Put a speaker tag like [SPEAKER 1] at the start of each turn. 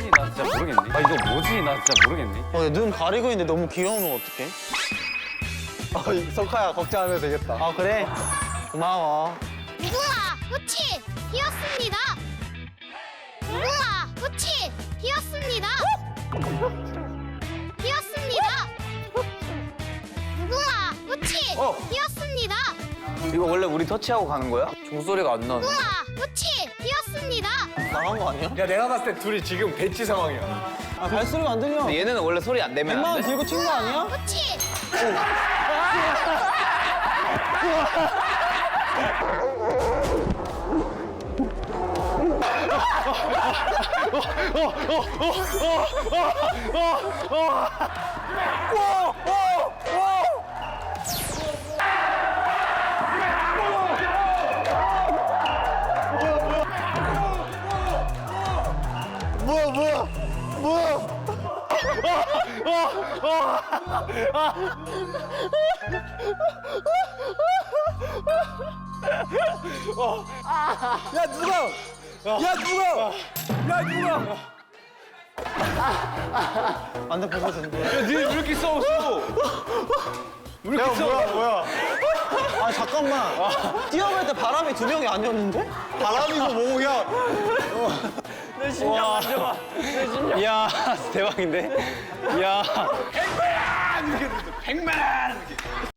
[SPEAKER 1] 뭐지? 나 진짜 모르겠네. 아 이거 뭐지? 나 진짜 모르겠네.
[SPEAKER 2] 눈 가리고 있는데 너무 귀여우면 어떡해?
[SPEAKER 3] 석하야 걱정하면 되겠다.
[SPEAKER 2] 아 그래? 고마워.
[SPEAKER 4] 무궁화 꽃이 피었습니다. 무궁화 꽃이 피었습니다. 피었습니다. 무궁화 꽃이 피었습니다.
[SPEAKER 1] 이거 원래 우리 터치하고 가는 거야?
[SPEAKER 2] 종소리가 안 나네.
[SPEAKER 4] 무궁화 꽃이 피었습니다.
[SPEAKER 2] 나간 거 아니야?
[SPEAKER 3] 야 내가 봤을 때 둘이 지금 배치 상황이야.
[SPEAKER 2] 아 발소리가 안 들려.
[SPEAKER 1] 얘네는 원래 소리 안 내면
[SPEAKER 2] 100만
[SPEAKER 1] 안
[SPEAKER 2] 원
[SPEAKER 1] 돼?
[SPEAKER 2] 들고 튄 거 아니야?
[SPEAKER 4] 꽃이
[SPEAKER 3] 야 누가? 야 누가? 야 누가?
[SPEAKER 2] 안돼 벗어진대.
[SPEAKER 1] 니네 왜 이렇게 싸웠어? 왜 이렇게 싸웠어?
[SPEAKER 3] 뭐야?
[SPEAKER 2] 아 잠깐만. 뛰어갈 때 바람이 2명이 아니었는데?
[SPEAKER 3] 바람이고 뭐고 야.
[SPEAKER 1] 내 심장 만져봐. 내 심장. 이야 대박인데? 이야.
[SPEAKER 3] 100만! 이렇게 됐어. 100만! 이렇게.